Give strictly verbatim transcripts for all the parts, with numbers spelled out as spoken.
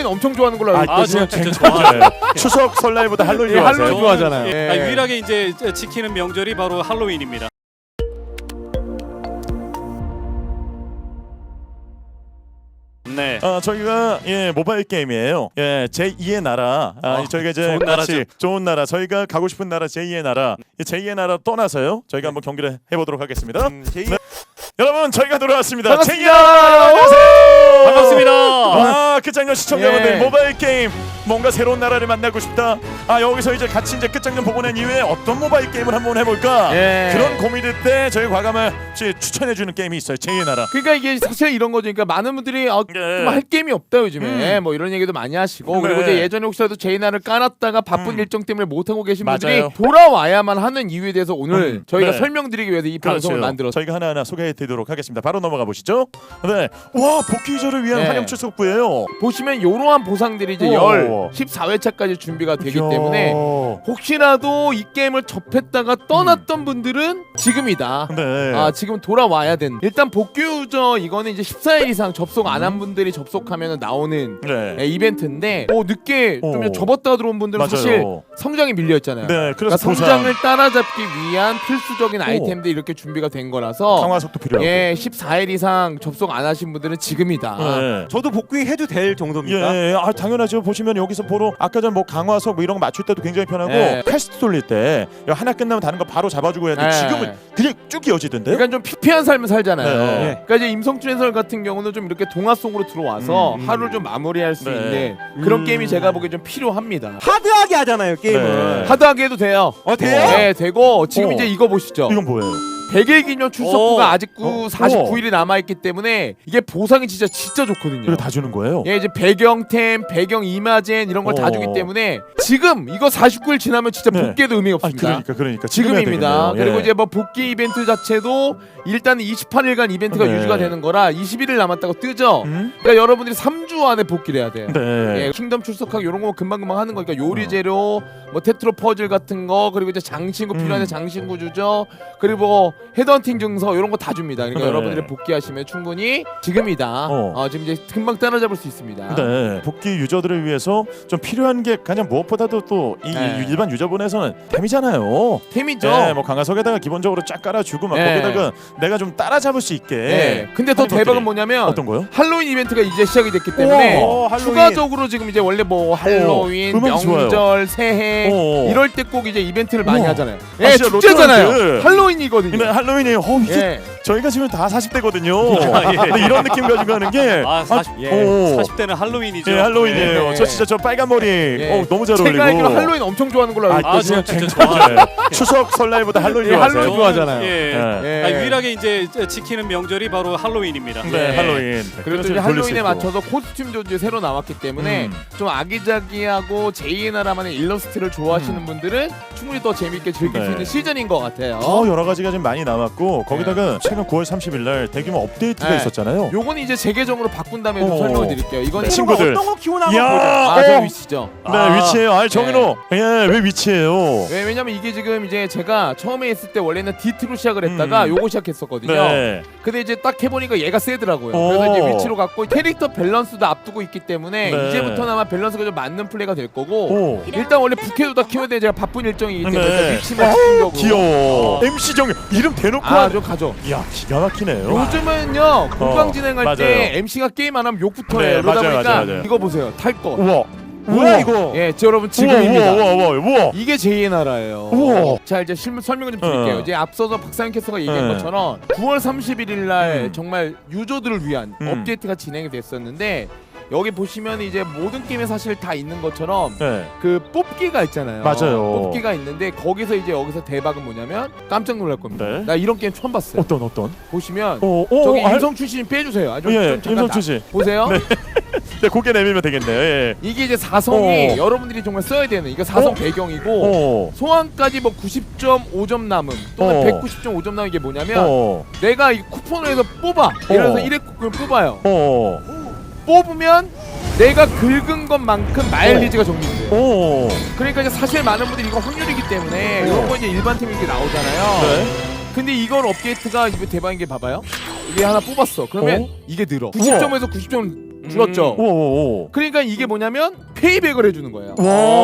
할로윈 엄청 좋아하는 걸로 알고 아, 있거든요. 아 진짜 좋아요. 추석 설날보다 할로윈 예, 좋아하세요? 할로윈 좋아하잖아요. 예. 아, 유일하게 이제 지키는 명절이 바로 할로윈입니다. 네. 어, 저희가 예 모바일 게임이에요. 예 제이의 나라. 아, 어, 저희가 이제 좋은 같이 나라죠. 좋은 나라. 저희가 가고 싶은 나라 제이의 나라. 이 제이의 나라 떠나서요. 저희가 한번 경기를 해보도록 하겠습니다. 음, 제이... 네. 여러분 저희가 돌아왔습니다. 반갑습니다. 제이의 나라. 안녕하세요. 반갑습니다. 아, 끝장전 시청자분들 예. 모바일 게임 뭔가 새로운 나라를 만나고 싶다. 아 여기서 이제 같이 이제 끝장전 보고 난 이후에 어떤 모바일 게임을 한번 해볼까. 예. 그런 고민일 때 저희 과감을 추천해주는 게임이 있어요. 제이의 나라. 그러니까 이게 사실 이런 거죠. 그러니까 많은 분들이 아, 예. 좀 할 게임이 없다 요즘에 음. 뭐 이런 얘기도 많이 하시고 네. 그리고 이제 예전에 혹시라도 제이나를 깔았다가 바쁜 음. 일정 때문에 못 하고 계신 맞아요. 분들이 돌아와야만 하는 이유에 대해서 오늘 음. 저희가 네. 설명드리기 위해서 이 방송을 그렇죠. 만들었어요. 저희가 하나하나 소개해드리도록 하겠습니다. 바로 넘어가 보시죠. 네, 와 복귀 유저를 위한 네. 환영 출석부예요. 보시면 이러한 보상들이 이제 오. 열 십사 회차까지 준비가 되기 이야. 때문에 혹시라도 이 게임을 접했다가 떠났던 분들은 지금이다. 네. 아 지금 돌아와야 된. 일단 복귀 유저 이거는 이제 십사 일 이상 접속 안 한 음. 분들이 접속하면 나오는 네. 예, 이벤트인데 뭐 늦게 좀 오. 접었다 들어온 분들은 맞아요. 사실 성장이 밀려 있잖아요. 네, 그러니까 그래서 보상, 성장을 따라잡기 위한 필수적인 아이템들이 이렇게 준비가 된 거라서 강화 속도 필요하고. 예 십사 일 이상 접속 안 하신 분들은 지금이다. 네. 저도 복귀해도 될 정도입니까? 예, 예, 아 당연하죠. 보시면 여기서 보러 아까 전 뭐 강화석 뭐 이런 거 맞출 때도 굉장히 편하고 예. 퀘스트 돌릴 때 이거 하나 끝나면 다른 거 바로 잡아주고 해야 돼. 예. 지금은 그냥 쭉 이어지던데. 그러니까 좀 피폐한 삶을 살잖아요. 네. 그러니까 이제 임성춘 해설 같은 경우는 좀 이렇게 동화 속으로 들어와서 음, 음. 하루를 좀 마무리할 수 네. 있는 그런 음. 게임이 제가 보기에 좀 필요합니다. 하드하게 하잖아요 게임을. 네. 하드하게 해도 돼요. 어 돼요? 네, 되고 지금 어. 이제 이거 보시죠. 이건 뭐예요? 백 일 기념 출석부가 어. 아직도 어. 사십구 일이 남아있기 때문에 이게 보상이 진짜 진짜 좋거든요. 이거 다 주는 거예요? 예, 이제 배경템, 배경 이마젠 이런 걸 다 어. 주기 때문에 지금 이거 사십구 일 지나면 진짜 네. 복귀에도 의미가 아, 없습니다. 그러니까 그러니까 지금 해야 지금입니다. 되겠네요. 그리고 예. 이제 뭐 복귀 이벤트 자체도 일단 이십팔 일간 이벤트가 네. 유지가 되는 거라 이십일 일 남았다고 뜨죠. 음? 그러니까 여러분들이 삼 주 안에 복귀를 해야 돼요. 네. 예, 킹덤 출석하기 이런 거 금방금방 하는 거니까 요리 재료, 뭐 테트로 퍼즐 같은 거 그리고 이제 장신구 필요한 음. 장신구 주죠. 그리고 뭐 헤드헌팅 증서 이런 거 다 줍니다. 그러니까 네. 여러분들이 복귀하시면 충분히 지금이다. 어. 어, 지금 이제 금방 따라잡을 수 있습니다. 네. 복귀 유저들을 위해서 좀 필요한 게 가장 무엇보다도 또 이 네. 일반 유저분에서는 템이잖아요. 템이죠. 네, 뭐 강화석에다가 기본적으로 쫙 깔아주고 막 네. 거기다가 내가 좀 따라잡을 수 있게. 네. 근데 더 하는 대박은 것들이. 뭐냐면 어떤 거요? 할로윈 이벤트가 이제 시작이 됐기 때문에 오, 할로윈. 추가적으로 지금 이제 원래 뭐 할로윈, 음악이 명절, 좋아요. 새해 오. 이럴 때 꼭 이제 이벤트를 많이 우와. 하잖아요. 아, 예, 진짜 축제잖아요. 로또라이트. 할로윈이거든요. 근데 할로윈이 어 이게 예. 저희가 지금 다 사십 대거든요. 예. 근데 이런 느낌 가지고 하는 게 아, 사십, 아, 예. 오. 사십 대는 할로윈이죠. 예, 할로윈이에요. 네. 저 진짜 저 빨간 머리 어, 너무 잘 제가 어울리고. 알기로 할로윈 엄청 좋아하는 걸로 알고 아, 아, 진짜 진짜 진짜 좋아요. 추석 설날보다 할로윈 예, 좋아하세요? 할로윈 좋아하잖아요. 예. 예. 예. 아, 유일하게 이제 지키는 명절이 바로 할로윈입니다. 네, 예. 할로윈. 그리고 또 이제 할로윈에 맞춰서 코스튬도 이제 새로 나왔기 때문에 음. 좀 아기자기하고 제이의 나라만의 일러스트를 좋아하시는 음. 분들은 충분히 더 재밌게 즐길 네. 수 있는 시즌인 것 같아요. 더 여러 가지가 좀 많이 남았고 거기다가 최근 구월 삼십일 날 대규모 업데이트가 네. 있었잖아요. 요거는 이제 제 계정으로 바꾼 다음에 좀 어. 설명을 드릴게요. 이거는 네. 친구들. 어떤 거 키워나가 이야. 보죠. 아, 어. 저 위치죠. 네, 아. 위치예요. 아, 정인호. 예, 왜 위치예요? 왜, 왜냐면 이게 지금 이제 제가 처음에 했을 때 원래는 디트로 시작을 했다가 음. 요거 시작했었거든요. 네. 근데 이제 딱 해보니까 얘가 세더라고요. 오. 그래서 이제 위치로 갔고 캐릭터 밸런스도 앞두고 있기 때문에 네. 이제부터는 아마 밸런스가 좀 맞는 플레이가 될 거고 오. 일단 원래 부캐도 다 키워야 돼. 제가 바쁜 일정이기 때문에 네. 일단 위치만 집중적으로 귀여워. 어. 엠씨 정인 이름 대놓고 아, 하는- 좀 가죠. 이야, 기가 막히네요. 요즘은요 공방 어, 진행할 맞아요. 때 엠씨가 게임 안 하면 욕부터 네, 해요. 그러다 맞아요, 보니까 맞아요, 맞아요. 이거 보세요. 탈 거. 우와. 뭐야 이거? 예, 저 여러분 지금입니다. 우와, 우와, 우와, 우와. 이게 제이의 나라예요. 우와. 자 이제 실무 설명을 좀 드릴게요. 어. 이제 앞서서 박상현 캐스터가 얘기한 네. 것처럼 구월 삼십일일 날 음. 정말 유저들을 위한 음. 업데이트가 진행이 됐었는데 여기 보시면 이제 모든 게임에 사실 다 있는 것처럼 네. 그 뽑기가 있잖아요. 맞아요. 뽑기가 있는데 거기서 이제 여기서 대박은 뭐냐면 깜짝 놀랄 겁니다. 네. 나 이런 게임 처음 봤어요. 어떤 어떤? 보시면 어, 어, 저기 알- 임성 출신 빼주세요. 아, 좀, 예, 좀 잠깐 임성춘 씨. 나- 보세요. 네. 네, 고개 내밀면 되겠네요. 예. 이게 이제 사성이 어. 여러분들이 정말 써야 되는 이거 사성 어? 배경이고 어. 소환까지 뭐 구십 점 오 점 남음 또는 어. 백구십 점 오 점 남은 게 뭐냐면 어. 내가 이 쿠폰을 해서 뽑아 예를 들어서 어. 일 회 쿠폰을 뽑아요. 어. 뽑으면 내가 긁은 것만큼 마일리지가 적립돼요. 어. 그러니까 이제 사실 많은 분들이 이거 확률이기 때문에 이런 거 이제 일반 팀이 이렇게 나오잖아요. 네. 근데 이걸 업데이트가 이거 대박인 게 봐봐요. 이게 하나 뽑았어. 그러면 어? 이게 늘어. 구십 점에서 구십 점 줄었죠. 오오오. 그러니까 이게 뭐냐면 페이백을 해주는 거예요.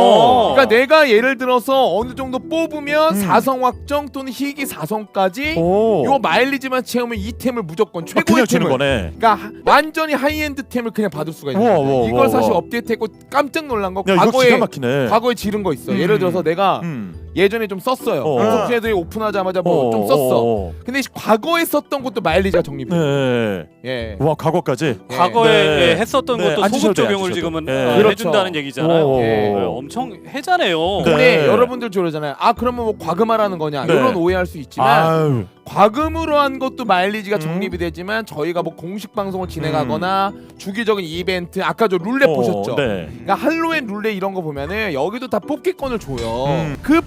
와. 그러니까 내가 예를 들어서 어느 정도 뽑으면 음. 사성 확정 또는 희귀 사성까지 오. 요 마일리지만 채우면 이 템을 무조건 아, 최고의 그냥 주는 템을 거네. 그러니까 하- 완전히 하이엔드 템을 그냥 받을 수가 있는 우와, 거예요. 우와, 이걸 우와, 사실 우와. 업데이트했고 깜짝 놀란 거 야, 이거 과거에 기가 막히네. 과거에 지른 거 있어. 음. 예를 들어서 내가 음. 예전에 좀 썼어요. 어. 임성춘 애들이 오픈하자마자 뭐 좀 썼어. 어. 근데 과거에 썼던 것도 마일리지가 적립돼. 네. 예. 와, 과거까지. 예. 과거에 네. 예, 했었던 네, 것도 안 소급 주셔도 돼요, 적용을 안 주셔도. 지금은 네. 어, 그렇죠. 해준다는 얘기잖아요. 오. 예. 네, 엄청 해자네요. 네. 근데 여러분들 그러잖아요. 아 그러면 뭐 과금하라는 거냐 네. 이런 오해할 수 있지만 아유. 과금으로 한 것도 마일리지가 음. 적립이 되지만 저희가 뭐 공식 방송을 진행하거나 주기적인 이벤트 아까 저 룰렛 어, 보셨죠? 네. 그러니까 할로윈 룰렛 이런 거 보면은 여기도 다 뽑기권을 줘요. 음. 그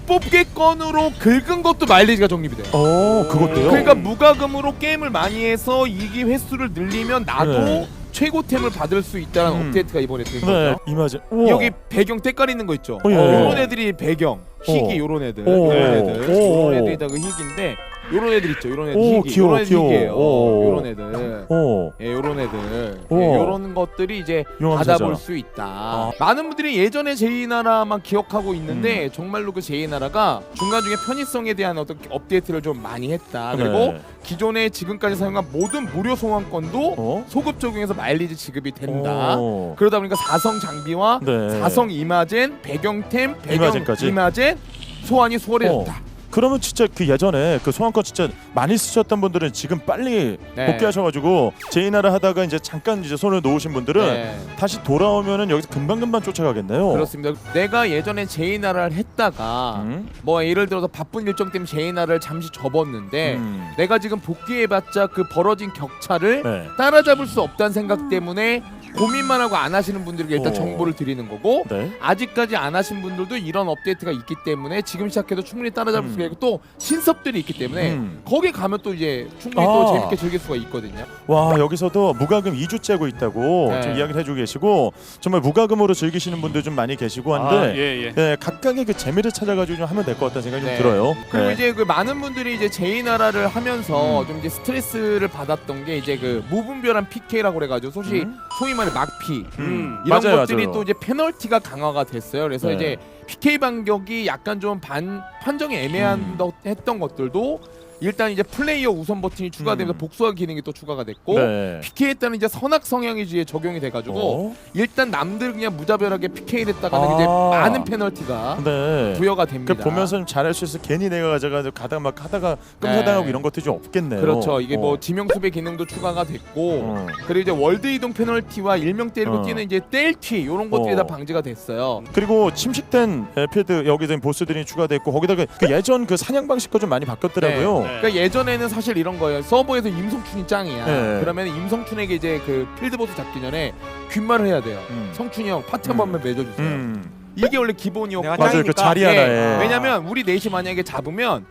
뽑기권으로 긁은 것도 마일리지가 적립이 돼요. 어, 그것도요. 그러니까 무과금으로 게임을 많이 해서 이기 횟수를 늘리면 나도 네. 최고템을 받을 수 있다는 음. 업데이트가 이번에 된 네. 거죠. 이마진. 우와. 여기 배경 때깔 있는 거 있죠? 어, 예. 요런 애들이 배경 희귀 어. 요런 애들 오. 요런 애들 오. 요런 애들이 다 그 희귀인데 요런 애들 있죠 요런 애들 오, 희귀 귀여워, 요런 애들 귀여워. 희귀예요 오. 요런 애들 어. 예, 요런 애들 오. 예, 요런 것들이 이제 용암사자. 받아볼 수 있다. 많은 분들이 예전에 제이나라만 기억하고 있는데 음. 정말로 그 제이나라가 중간중에 편의성에 대한 어떤 업데이트를 좀 많이 했다. 그리고 네. 기존에 지금까지 사용한 모든 무료 소환권도 어? 소급 적용해서 마일리지 지급이 된다. 어. 그러다 보니까 사성 장비와 네. 사성 이마젠, 배경템, 배경 이마젠까지? 이마젠 소환이 수월해졌다. 어. 그러면 진짜 그 예전에 그 소환권 진짜 많이 쓰셨던 분들은 지금 빨리 네. 복귀하셔가지고 제이나라 하다가 이제 잠깐 이제 손을 놓으신 분들은 네. 다시 돌아오면은 여기서 금방 금방 쫓아가겠네요. 그렇습니다. 내가 예전에 제이나라를 했다가 음? 뭐 예를 들어서 바쁜 일정 때문에 제이나라를 잠시 접었는데 음. 내가 지금 복귀해봤자 그 벌어진 격차를 네. 따라잡을 수 없다는 생각 때문에 고민만 하고 안 하시는 분들에게 일단 어. 정보를 드리는 거고 네. 아직까지 안 하신 분들도 이런 업데이트가 있기 때문에 지금 시작해도 충분히 따라잡을 음. 수가 있고 또 신섭들이 있기 때문에 음. 거기 가면 또 이제 충분히 아. 또 재밌게 즐길 수가 있거든요. 와, 여기서도 무과금 이 주 째고 있다고 네. 지금 이야기를 해주고 계시고 정말 무과금으로 즐기시는 분들 좀 많이 계시고 아, 한데 예, 예. 네, 각각의 그 재미를 찾아가지고 좀 하면 될 것 같다는 생각이 네. 좀 들어요. 그리고 네. 이제 그 많은 분들이 이제 제이나라를 하면서 음. 좀 이제 스트레스를 받았던 게 이제 그 무분별한 피케이라고 그래가지고 소위 음. 소위 말해 막피 음. 이런 맞아요, 것들이 맞아요. 또 이제 페널티가 강화가 됐어요. 그래서 네. 이제 피케이 반격이 약간 좀 반 판정이 애매한 음. 더 했던 것들도 일단 이제 플레이어 우선 버튼이 추가되면서 음. 복수화 기능이 또 추가가 됐고 네. 피케이에 따른 이제 선악 성향이 이제 적용이 돼가지고 어? 일단 남들 그냥 무자별하게 피케이를 했다가는 아. 이제 많은 페널티가 네. 부여가 됩니다. 그 보면서 좀 잘할 수 있어. 괜히 내가 가져가지고 가다가 막 하다가 끔사당하고 네. 이런 것들이 좀 없겠네요. 그렇죠. 이게 어. 뭐 지명수배 기능도 추가가 됐고 어. 그리고 이제 월드 이동 페널티와 일명 때리고 어. 뛰는 이제 뗄튀 이런 것들이 어. 다 방지가 됐어요. 그리고 침식된 에, 필드 여기서 보스들이 추가됐고 거기다가 그 예전 그 사냥 방식과 좀 많이 바뀌었더라고요. 네. 그러니까 예전에는 사실 이런 거예요. 서버에서 임성춘이 짱이야. 네. 그러면 임성춘에게 이제 그 필드 보스 잡기 전에 귓말을 해야 돼요. 음. 성춘이 형 파티 한 음. 번만 맺어주세요. 음. 이게 원래 기본이었고 내가 맞아요. 그 짱이니까. 자리 예, 하나에. 왜냐면 우리 넷이 만약에 잡으면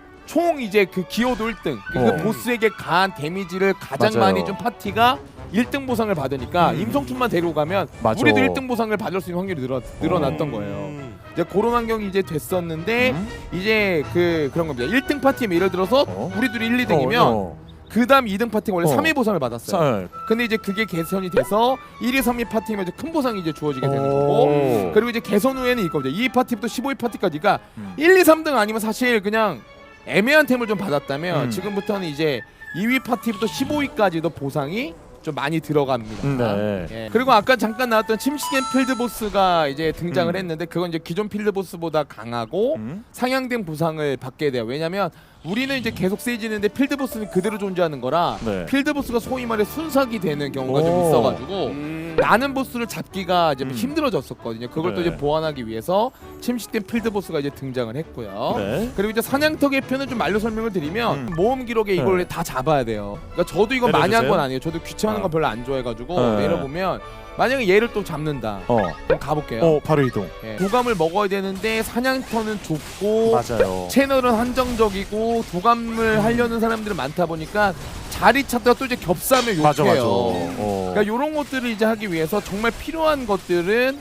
총 이제 그 기호도 일 등 그 어. 보스에게 가한 데미지를 가장 맞아요. 많이 준 파티가 일 등 보상을 받으니까 음. 임성춘만 데리고 가면 맞아. 우리도 일 등 보상을 받을 수 있는 확률이 늘어, 늘어났던 거예요. 음. 이제 그런 환경이 이제 됐었는데 음? 이제 그 그런 겁니다. 일 등 파티면 예를 들어서 어? 우리 둘이 일, 이 등이면 어, 어. 그 다음 이 등 파티가 원래 어. 삼 회 보상을 받았어요. 쌀. 근데 이제 그게 개선이 돼서 일 위, 삼 위 파티면 이제 큰 보상이 이제 주어지게 되는 오. 거고 그리고 이제 개선 후에는 이겁니다. 이 위 파티부터 십오 위 파티까지가 음. 일, 이, 삼 등 아니면 사실 그냥 애매한 템을 좀 받았다면 음. 지금부터는 이제 이 위 파티부터 십오 위까지도 보상이 좀 많이 들어갑니다. 음, 네. 예. 그리고 아까 잠깐 나왔던 침식된 필드 보스가 이제 등장을 음. 했는데 그건 이제 기존 필드 보스보다 강하고 음? 상향된 보상을 받게 돼요. 왜냐면 우리는 이제 계속 세지는데 필드 보스는 그대로 존재하는 거라 네. 필드 보스가 소위 말해 순삭이 되는 경우가 좀 오. 있어가지고 음. 많은 보스를 잡기가 이제 음. 힘들어졌었거든요. 그걸 또 네. 이제 보완하기 위해서 침식된 필드 보스가 이제 등장을 했고요. 네. 그리고 이제 사냥터의 표는 좀 말로 설명을 드리면 음. 모험 기록에 이걸 네. 다 잡아야 돼요. 그러니까 저도 이건 많이 한 내려주세요. 건 아니에요. 저도 귀찮은 어. 건 별로 안 좋아해가지고 네. 내려보면 만약에 얘를 또 잡는다. 어. 그럼 가볼게요. 어, 바로 이동. 예. 도감을 먹어야 되는데 사냥터는 좁고 맞아요. 채널은 한정적이고 도감을 하려는 사람들은 많다 보니까 자리 찾다가 또 이제 겹싸면 욕해요. 맞아 맞아. 어. 그러니까 이런 것들을 이제 하기 위해서 정말 필요한 것들은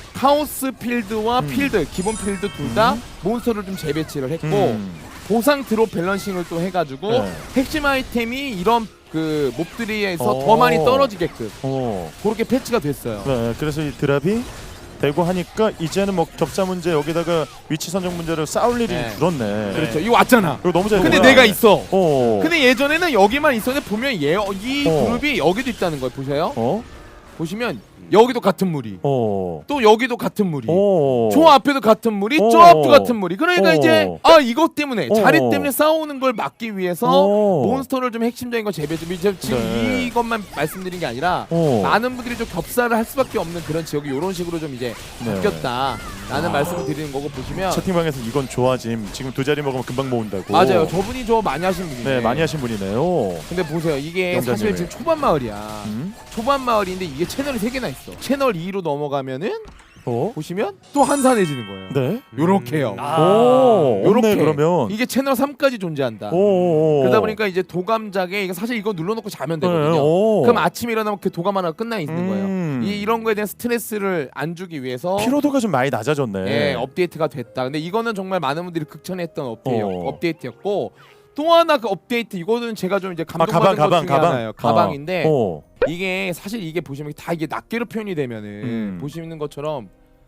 카오스 필드와 음. 필드 기본 필드 둘 다 음. 몬스터를 좀 재배치를 했고 음. 보상 드롭 밸런싱을 또 해가지고 네. 핵심 아이템이 이런 그 몹들이에서 어. 더 많이 떨어지게끔 어. 그렇게 패치가 됐어요. 네, 그래서 이 드랍이 되고 하니까 이제는 뭐 격자 문제 여기다가 위치 선정 문제를 싸울 일이 네. 줄었네. 그렇죠. 이거 왔잖아. 이거 너무 잘. 근데 됐구나. 내가 있어. 어. 근데 예전에는 여기만 있었는데 보면 얘, 이 어. 그룹이 여기도 있다는 거예요. 보세요. 어? 보시면 여기도 같은 무리, 어. 또 여기도 같은 무리, 어. 저 앞에도 같은 무리, 어. 저 앞도 같은 무리. 그러니까 어. 이제 아 이것 때문에 어. 자리 때문에 싸우는 걸 막기 위해서 어. 몬스터를 좀 핵심적인 거 재배좀 이제 지금 네. 이것만 말씀드린 게 아니라 어. 많은 분들이 좀 겹살을 할 수밖에 없는 그런 지역이 이런 식으로 좀 이제 네. 바뀌었다라는 말씀을 드리는 거고 보시면 채팅방에서 이건 좋아짐. 지금 두 자리 먹으면 금방 모은다고. 맞아요. 저분이 저 많이 하신 분이네. 네, 많이 하신 분이네요. 근데 보세요. 이게 영자님이. 사실 지금 초반 마을이야. 음? 초반 마을인데 이게 채널이 세 개나 있어. 채널 이로 넘어가면은 어? 보시면 또 한산해지는 거예요. 네. 요렇게요. 아. 오, 요렇게. 없네 그러면. 이게 채널 삼까지 존재한다. 오. 그러다 보니까 이제 도감작에 이게 사실 이거 눌러놓고 자면 네, 되거든요. 오. 그럼 아침에 일어나면 그 도감 하나 끝나 있는 거예요. 음. 이 이런 거에 대한 스트레스를 안 주기 위해서 피로도가 좀 많이 낮아졌네. 예, 업데이트가 됐다. 근데 이거는 정말 많은 분들이 극찬했던 업데이트, 어. 업데이트였고 또 하나 그 업데이트 이거는 제가 좀 이제 아, 감동받은 가방 것 가방 중에 가방. 하나예요. 가방인데 어. 이게 사실 이게 보시면 다 이게 낱개로 표현이 되면은 음. 보시는 것처럼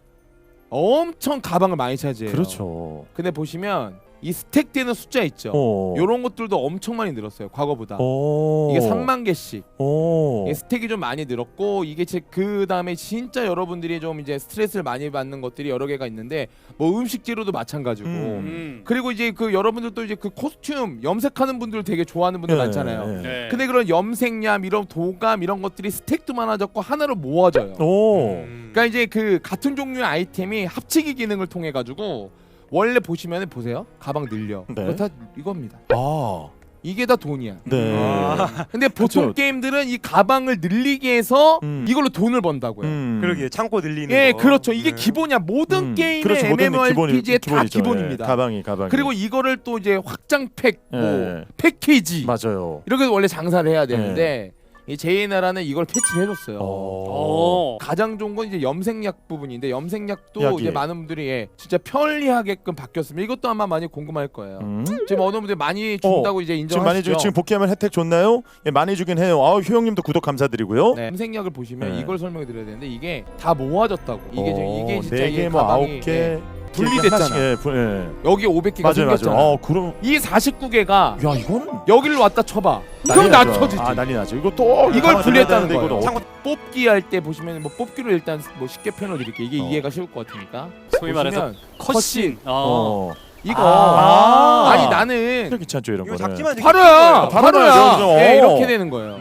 엄청 가방을 많이 차지해요. 그렇죠. 근데 보시면 이 스택되는 숫자 있죠. 어. 요런 것들도 엄청 많이 늘었어요. 과거보다. 오. 이게 삼만 개씩. 오. 이게 스택이 좀 많이 늘었고 이게 그 다음에 진짜 여러분들이 좀 이제 스트레스를 많이 받는 것들이 여러 개가 있는데 뭐 음식 재료도 마찬가지고. 음. 음. 그리고 이제 그 여러분들도 이제 그 코스튬 염색하는 분들 되게 좋아하는 분들 예, 많잖아요. 예. 네. 근데 그런 염색약 이런 도감 이런 것들이 스택도 많아졌고 하나로 모아져요. 오. 음. 그러니까 이제 그 같은 종류의 아이템이 합치기 기능을 통해 가지고 원래 보시면 보세요. 가방 늘려. 네. 그거 다 이겁니다. 아. 이게 다 돈이야. 네. 아. 근데 보통 그쵸. 게임들은 이 가방을 늘리게 해서 음. 이걸로 돈을 번다고요. 음. 그러게 창고 늘리는 예, 거. 그렇죠. 이게 네. 기본이야. 모든 음. 게임의 그렇죠. 모든 엠엠오알피지의 기본이- 다 기본이죠. 기본입니다. 예. 가방이 가방이. 그리고 이거를 또 이제 확장팩, 뭐 예. 패키지 맞아요. 이렇게 원래 장사를 해야 되는데 이 제이 나라는 이걸 패치를 해줬어요. 어. 가장 좋은 건 이제 염색약 부분인데 염색약도 약이. 이제 많은 분들이 예, 진짜 편리하게끔 바뀌었으면 이것도 아마 많이 궁금할 거예요. 음. 지금 어느 분들이 많이 준다고 이제 지금 많이 인정하시죠. 주, 지금 복귀하면 혜택 좋나요? 예, 많이 주긴 해요. 아우 효영님도 구독 감사드리고요. 네, 염색약을 보시면 네. 이걸 설명해 드려야 되는데 이게 다 모아졌다고. 이게 지금 이게 진짜 네 이 개, 뭐 가방이 아홉 개 예, 분리됐잖아. 예, 분- 예. 여기 오백 개가 맞아요, 생겼잖아. 맞아요. 어, 그럼 이 사십구 개가 야 이거는 여기를 왔다 쳐봐. 난리 그럼 나죠. 낮춰지지. 아 난리 나죠. 이거 또 이걸 가방을 분리했다는 들어야 거예요. 되는데 창고 뽑기 할 때 보시면 뭐 뽑기로 일단 뭐 쉽게 표현을 드릴게요. 이게 어. 이해가 쉬울 것 같으니까. 소위 말해서 보시면 컷신. 이거 어. 어. 이거 아. 아니 나는 이렇게 귀찮죠 이런 이거 거는. 작지만 되게 바로야. 바로 바로야. 나와요, 그죠? 예, 어. 이렇게 되는 거예요.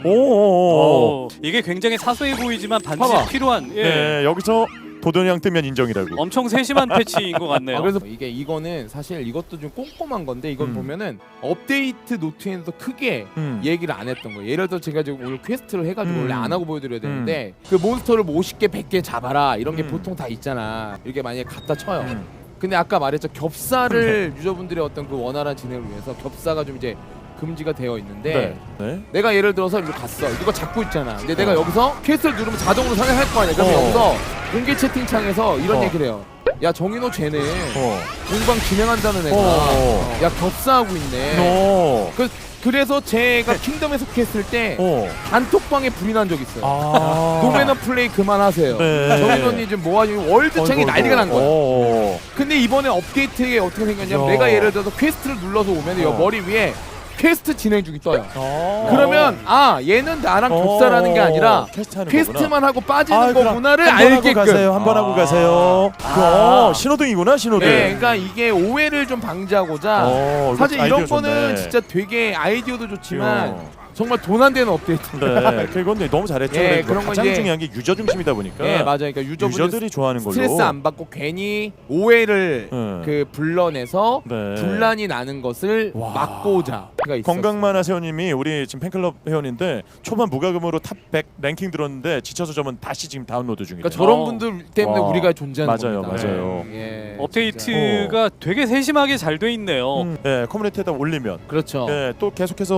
오오오. 어. 이게 굉장히 사소해 보이지만 반드시 봐봐. 필요한 예. 네 여기서 도돈이랑 뜨면 인정이라고. 엄청 세심한 패치인 것 같네요. 아, 그래서 이게 이거는 사실 이것도 좀 꼼꼼한 건데 이건 음. 보면은 업데이트 노트에서 크게 음. 얘기를 안 했던 거예요. 예를 들어 제가 지금 오늘 퀘스트를 해가지고 음. 원래 안 하고 보여드려야 되는데 그 몬스터를 뭐 오십 개, 백 개 잡아라 이런 게 음. 보통 다 있잖아. 이렇게 만약에 갖다 쳐요. 음. 근데 아까 말했죠 겹사를 유저분들의 어떤 그 원활한 진행을 위해서 겹사가 좀 이제 금지가 되어 있는데 네. 네. 내가 예를 들어서 이거 갔어 이거 잡고 있잖아 근데 내가 여기서 퀘스트를 누르면 자동으로 상향할 거 아니야 그래서 어. 여기서 공개 채팅창에서 이런 어. 얘기를 해요 야 정인호 쟤네 어. 공방 진행한다는 애가 어. 야 겹사하고 있네 너. 그, 그래서 제가 킹덤에 속했을 때 어. 단톡방에 불이 난 적 있어요 아. 노매너 플레이 그만하세요 네. 정인호님 지금 뭐하니 월드창이 어이구, 난리가 난 거야 어. 근데 이번에 업데이트에 어떻게 생겼냐면 야. 내가 예를 들어서 퀘스트를 눌러서 오면 여 어. 머리 위에 퀘스트 진행 중이 떠요. 어. 그러면 아 얘는 나랑 어. 겹사라는 게 아니라 퀘스트 하는 퀘스트만 하고 빠지는 아, 그럼 거구나를 한번 하고 알게끔. 가세요. 한 번 하고 아. 아. 가세요. 그, 어, 신호등이구나 신호등. 네, 그러니까 이게 오해를 좀 방지하고자 어, 이거 사실 이런 아이디어 거는 좋네. 진짜 되게 아이디어도 좋지만 어. 정말 돈 안 되는 업데이트. 네, 그건 너무 잘했죠. 예, 그래, 그런 건 가장 이제- 중요한 게 유저 중심이다 보니까. 예, 맞아요. 그러니까 유저분들 유저들이 좋아하는 걸로. 스트레스 안 받고 괜히 오해를 네. 그 불러내서 네. 분란이 나는 것을 와. 막고자. 그가 있었어요. 건강만화 세호님이 우리 지금 팬클럽 회원인데 초반 무과금으로 탑 백 랭킹 들었는데 지쳐서 저는 다시 지금 다운로드 중이에요. 그러니까 저런 어. 분들 때문에 와. 우리가 존재하는 맞아요, 겁니다. 맞아요. 예, 업데이트가 되게 세심하게 잘 돼 있네요. 음. 예, 커뮤니티에다 올리면 그렇죠. 예, 또 계속해서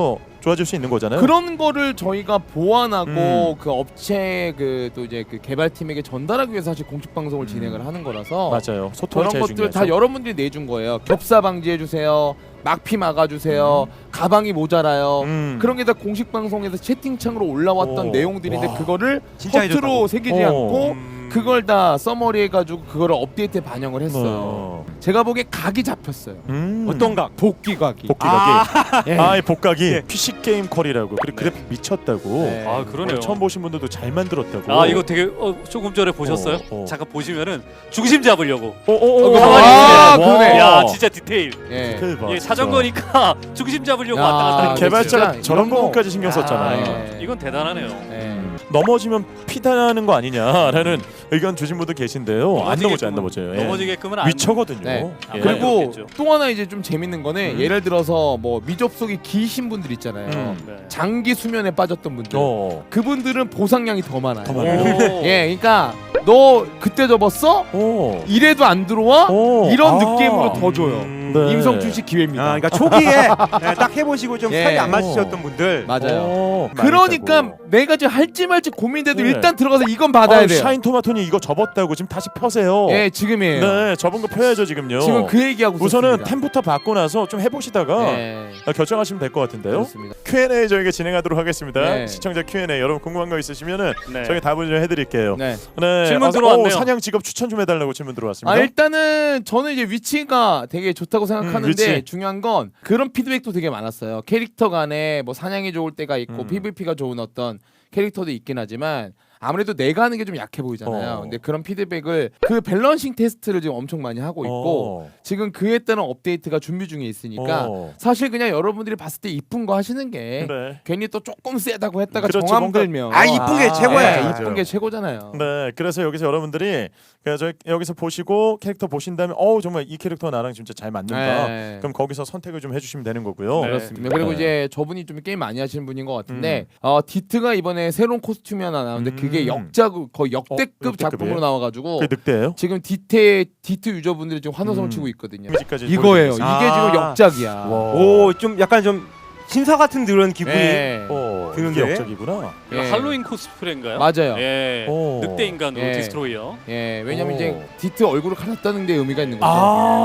좋아질 수 있는 거잖아요. 그런 거를 저희가 보완하고 음. 그 업체 그 또 이제 그 개발팀에게 전달하기 위해서 사실 공식 방송을 음. 진행을 하는 거라서 맞아요. 소통이 그런 제일 것들 중요하죠. 다 여러분들이 내준 거예요. 겹사 방지해 주세요. 막피 막아주세요. 가방이 모자라요. 음. 그런 게 다 공식 방송에서 채팅창으로 올라왔던 오. 내용들인데 와. 그거를 진짜 허투루 해줬다고. 새기지 어. 않고 음. 그걸 다 서머리 해가지고 그거를 업데이트에 반영을 했어요. 어. 제가 보기에 각이 잡혔어요. 음. 어떤 각? 복귀 각이. 복귀 각이. 예. 아, 이 복각이 예. 피씨 게임 컬이라고. 그리고 그래픽 미쳤다고. 네. 아 그러네요. 처음 보신 분들도 잘 만들었다고. 아 이거 되게 어, 조금 전에 보셨어요? 어, 어. 잠깐 보시면은 중심 잡으려고. 어, 어, 어, 어, 가만히 아, 있네. 와. 그러네. 야 진짜 디테일. 예. 대박, 예, 진짜. 자전거니까 중심 잡으려고 야, 왔다 갔다. 아니, 하는 개발자가 진짜 저런 이런 거- 부분까지 신경 썼잖아요. 예. 이건 대단하네요. 예. 넘어지면 피다는 거 아니냐라는 의견 주신 분도 계신데요. 안 넘어져, 안 넘어져요. 예. 넘어지게끔은 안. 위쳐거든요. 네. 예. 그리고 그렇겠죠. 또 하나 이제 좀 재밌는 거는 음. 예를 들어서 뭐 미접속이 기신 분들 있잖아요. 음. 네. 장기 수면에 빠졌던 분들. 어. 그분들은 보상량이 더 많아요. 더 많아요. 오. 예, 그러니까 너 그때 접었어? 오. 이래도 안 들어와? 오. 이런 아. 느낌으로 더 줘요. 음. 네. 임성춘 씨 기회입니다. 아, 그러니까 초기에 예, 딱 해보시고 좀 예. 살이 안 맞으셨던 분들 맞아요. 어, 그러니까 많이 있다고. 내가 지금 할지 말지 고민돼도 네. 일단 들어가서 이건 받아야 어, 돼요. 샤인 토마토니 이거 접었다고 지금 다시 펴세요. 예, 지금이에요. 네, 접은 거 펴야죠 지금요. 지금 그 얘기하고 우선은 있었습니다. 템부터 받고 나서 좀 해보시다가 네, 아, 결정하시면 될 것 같은데요. 그렇습니다. 큐 앤 에이 저희가 진행하도록 하겠습니다. 네. 시청자 큐 앤 에이 여러분 궁금한 거 있으시면은 네. 저희 답을 좀 해드릴게요. 네. 네. 질문 아, 들어왔네요. 오, 사냥 직업 추천 좀 해달라고 질문 들어왔습니다. 아 일단은 저는 이제 위치가 되게 좋다고 생각하는데 음, 위치. 중요한 건 그런 피드백도 되게 많았어요. 캐릭터 간에 뭐 사냥이 좋을 때가 있고 음. 피브이피가 좋은 어떤 캐릭터도 있긴 하지만 아무래도 내가 하는 게 좀 약해 보이잖아요. 어. 근데 그런 피드백을 그 밸런싱 테스트를 지금 엄청 많이 하고 있고 어. 지금 그에 따른 업데이트가 준비 중에 있으니까 어. 사실 그냥 여러분들이 봤을 때 이쁜 거 하시는 게 네. 괜히 또 조금 세다고 했다가 그렇죠. 정함 뭔가- 들면 아, 이쁜 게 최고야. 네, 맞아요. 이쁜 게 최고잖아요. 네, 그래서 여기서 여러분들이 그냥 저희 여기서 보시고 캐릭터 보신 다음에 어우 정말 이 캐릭터 나랑 진짜 잘 맞는다. 네. 그럼 거기서 선택을 좀 해주시면 되는 거고요. 네. 그렇습니다. 그리고 네. 이제 저분이 좀 게임 많이 하시는 분인 것 같은데 어, 디트가 이번에 새로운 코스튬이 하나 나오는데 그게 음. 역작 거의 역대급 어, 역대급이에요? 작품으로 나와가지고 그게 늑대예요? 지금 디트 디트 유저분들이 지금 환호성을 음. 치고 있거든요. 이미지까지 이거예요. 보여드리겠습니다. 이게 아. 지금 역작이야. 와. 오, 좀 약간 좀 신사 같은 그런 기분이 예. 어, 드는데? 이게 역적이구나. 이거 예. 할로윈 코스프레인가요? 맞아요. 예. 오. 늑대 인간으로 예. 디스트로이어. 예, 왜냐면 오. 이제 디트 얼굴을 갈았다는 데 의미가 있는 거죠.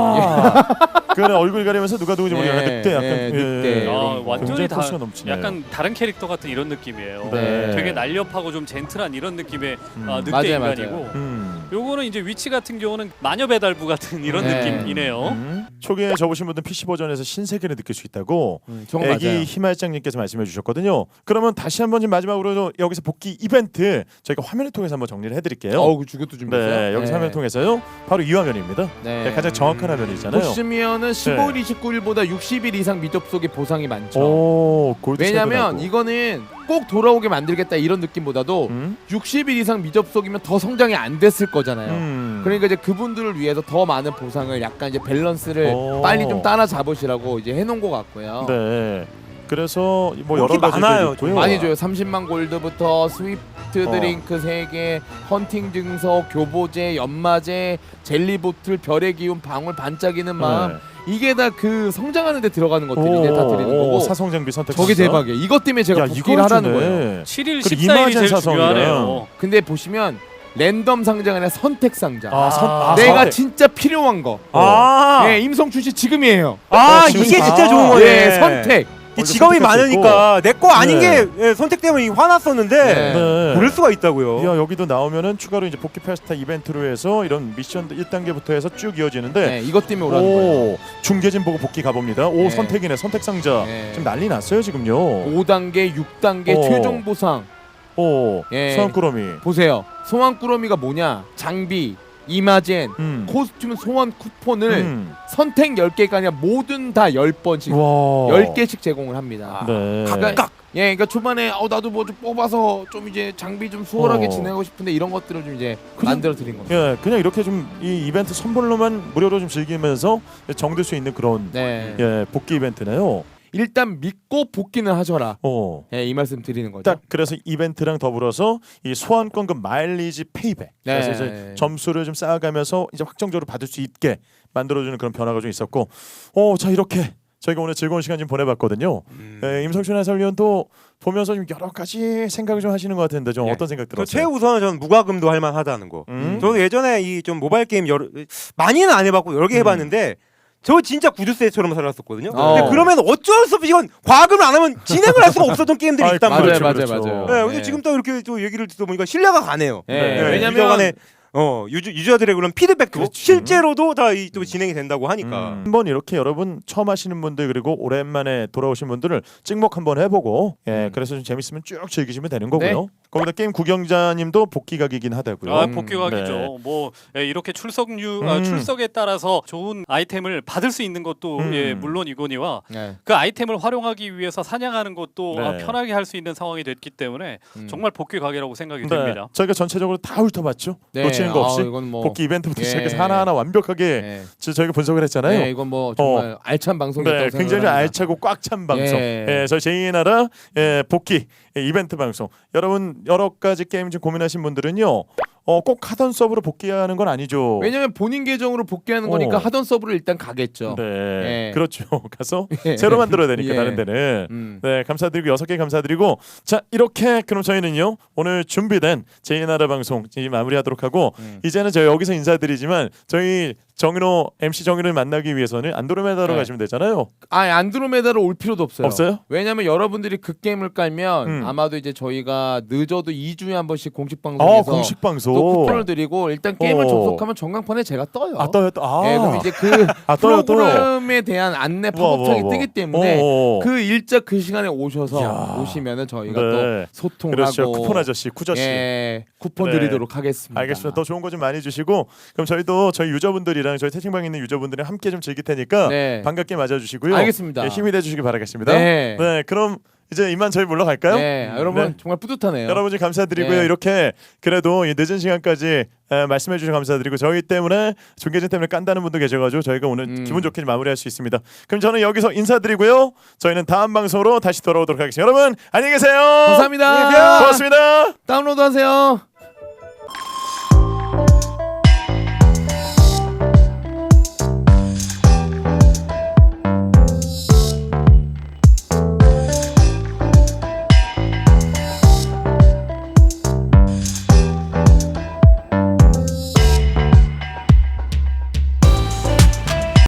아, 그래 얼굴 가리면서 누가 누구지 모르겠 예, 늑대 약간 예, 늑대. 아, 이런 거. 완전히 굉장히 다 포스가 넘치네요. 약간 다른 캐릭터 같은 이런 느낌이에요. 네. 되게 날렵하고 좀 젠틀한 이런 느낌의 음. 아, 늑대 맞아요, 인간이고. 맞아요. 음. 요거는 이제 위치 같은 경우는 마녀 배달부 같은 이런 네. 느낌이네요. 음. 초기에 접으신 분들 피씨 버전에서 신세계를 느낄 수 있다고 음, 저거 애기 맞아요. 희말장님께서 말씀해 주셨거든요. 그러면 다시 한번 좀 마지막으로 여기서 복귀 이벤트 저희가 화면을 통해서 한번 정리를 해드릴게요. 어우, 그 주교도 준비했어요. 네, 여기서 화면을 통해서요. 바로 이 화면입니다. 네. 네, 가장 정확한 화면이잖아요. 보시면은 십오 일, 이십구 일보다 육십 일 이상 미접속의 보상이 많죠. 오, 골드 왜냐면 세븐하고. 이거는 꼭 돌아오게 만들겠다 이런 느낌보다도 음? 육십 일 이상 미접속이면 더 성장이 안 됐을 거잖아요. 음. 그러니까 이제 그분들을 위해서 더 많은 보상을 약간 이제 밸런스를 오. 빨리 좀 따라 잡으시라고 이제 해놓은 것 같고요. 네. 그래서 뭐 여러 인기 가지 많아요, 있고요. 많이 줘요. 삼십만 골드부터 스위프트 어. 드링크 세 개, 헌팅 증서, 교보제, 연마제, 젤리 보틀, 별의 기운, 방울 반짝이는 마음. 이게 다 그 성장하는 데 들어가는 것들이 이제 다 드리는 거고. 사성 장비 선택. 저게 대박이에요. 이것 때문에 제가 야, 복귀를 이걸 하라는 주네. 거예요. 칠 일, 그리고 십사 일이 이마젠 제일 사성이랑. 중요하네요. 근데 보시면 랜덤 상자가 아니라 선택 상자. 아, 선, 아, 내가 선택. 진짜 필요한 거. 아, 네, 임성춘 씨 지금이에요. 아, 지금- 이게 진짜 아, 좋은 거네. 예, 선택. 이 직업이 선택할 수 많으니까 내 거 아닌 네. 게 예, 선택 때문에 화났었는데 네. 네. 고를 수가 있다고요. 야, 여기도 나오면은 추가로 이제 복귀 페스타 이벤트로 해서 이런 미션 일 단계부터 해서 쭉 이어지는데 네, 이것 때문에 오라는 거예요. 오, 중계진 보고 복귀 가봅니다. 오, 네. 선택이네. 선택 상자. 네. 지금 난리 났어요, 지금요. 오 단계, 육 단계 어. 최종 보상. 오, 예. 소환꾸러미. 보세요. 소환 꾸러미가 뭐냐? 장비, 이마젠, 음. 코스튬 소환 쿠폰을 음. 선택 열 개가 아니라 모든 다 열 번씩 와. 열 개씩 제공을 합니다. 네. 그러니까 예, 그러니까 초반에 어 나도 뭐 좀 뽑아서 좀 이제 장비 좀 수월하게 어. 진행하고 싶은데 이런 것들을 좀 이제 그냥- 만들어 드린 겁니다. 예, 그냥 이렇게 좀 이 이벤트 선물로만 무료로 좀 즐기면서 정들 수 있는 그런 네. 예, 복귀 이벤트네요. 일단 믿고 복귀는 하셔라. 어. 예, 이 말씀 드리는 거죠. 딱 그래서 이벤트랑 더불어서 이 소환권금 마일리지 페이백. 네. 그래서 이제 점수를 좀 쌓아가면서 이제 확정적으로 받을 수 있게 만들어주는 그런 변화가 좀 있었고, 어, 자 이렇게 저희가 오늘 즐거운 시간 좀 보내봤거든요. 음. 에, 임성춘 해설위원도 보면서 좀 여러 가지 생각을 좀 하시는 것 같은데 좀 네. 어떤 생각 그 들었어요? 최우선은 저는 무과금도 할 만하다는 거. 음. 저도 예전에 이 좀 모바일 게임 여러 많이는 안 해봤고 여러 개 해봤는데 저 진짜 구두쇠처럼 살았었거든요. 어. 근데 그러면 어쩔 수 없이 이건 과금을 안 하면 진행을 할 수가 없었던 게임들이 아이, 있단 맞아요, 말이에요. 맞아요, 그렇죠. 맞아요. 네, 근데 네. 지금 또 이렇게 또 얘기를 듣다 보니까 신뢰가 가네요. 네. 네. 왜냐면 유저 간의 어 유저, 유저들의 그런 피드백도 그렇지. 실제로도 다 이 또 진행이 된다고 하니까. 음. 한번 이렇게 여러분 처음 하시는 분들 그리고 오랜만에 돌아오신 분들을 찍먹 한번 해보고 예 음. 그래서 좀 재밌으면 쭉 즐기시면 되는 거고요. 네. 거기다 게임 구경자님도 복귀각이긴 하다고요. 아, 음, 복귀각이죠. 네. 뭐 예, 이렇게 출석류 아, 음. 출석에 따라서 좋은 아이템을 받을 수 있는 것도 음. 예, 물론이거니와 네. 그 아이템을 활용하기 위해서 사냥하는 것도 네. 아, 편하게 할 수 있는 상황이 됐기 때문에 음. 정말 복귀각이라고 생각이 네. 됩니다. 저희가 전체적으로 다 훑어봤죠. 네. 놓치는 거 없이 아, 이건 뭐 복귀 이벤트부터 예. 시작해서 하나하나 완벽하게 네. 저- 저희가 분석을 했잖아요. 네, 이건 뭐 정말 알찬 방송이었다고 네, 굉장히 생각합니다. 알차고 꽉 찬 방송. 예. 예, 저희 제이의 나라 예, 복귀 예, 이벤트 방송. 여러분 여러 가지 게임 좀 고민하신 분들은요. 어, 꼭 하던 서브로 복귀하는 건 아니죠. 왜냐면 본인 계정으로 복귀하는 거니까 어. 하던 서브를 일단 가겠죠. 네, 예. 그렇죠. 가서 예. 새로 만들어야 되니까 예. 다른 데는. 음. 네, 감사드리고 여섯 개 감사드리고 자 이렇게 그럼 저희는요 오늘 준비된 제이 나라 방송 이제 마무리하도록 하고 음. 이제는 저희 여기서 인사드리지만 저희 정인호 엠씨 정인호를 만나기 위해서는 안드로메다로 네. 가시면 되잖아요. 아, 안드로메다로 올 필요도 없어요. 없어요? 왜냐면 여러분들이 그 게임을 깔면 음. 아마도 이제 저희가 늦어도 이 주에 한 번씩 공식 아 방송에서 공식 방송. 또 쿠폰을 드리고 일단 게임을 어. 접속하면 전광판에 제가 떠요. 아 떠요 또. 아. 예, 그럼 이제 그 아 떠요 떠요. 프로그램에 대한 안내 우와, 우와, 팝업창이 우와. 뜨기 때문에 어, 어. 그 일자 그 시간에 오셔서 이야. 오시면은 저희가 네. 또 소통을 그렇죠. 하고 쿠폰 아저씨 쿠저씨. 예, 쿠폰 네. 드리도록 하겠습니다. 알겠습니다. 더 좋은 거 좀 많이 주시고 그럼 저희도 저희 유저분들이랑 저희 채팅방에 있는 유저분들이랑 함께 좀 즐길 테니까 네. 반갑게 맞아주시고요. 알겠습니다. 예, 힘이 돼주시기 바라겠습니다. 네. 네, 그럼 이제 이만 저희 물러갈까요? 네, 여러분 네. 정말 뿌듯하네요. 여러분 감사드리고요. 네. 이렇게 그래도 이 늦은 시간까지 에, 말씀해 주셔서 감사드리고 저희 때문에 중계진 때문에 깐다는 분도 계셔가지고 저희가 오늘 음. 기분 좋게 마무리할 수 있습니다. 그럼 저는 여기서 인사드리고요. 저희는 다음 방송으로 다시 돌아오도록 하겠습니다. 여러분 안녕히 계세요. 감사합니다. 고맙습니다. 다운로드 하세요.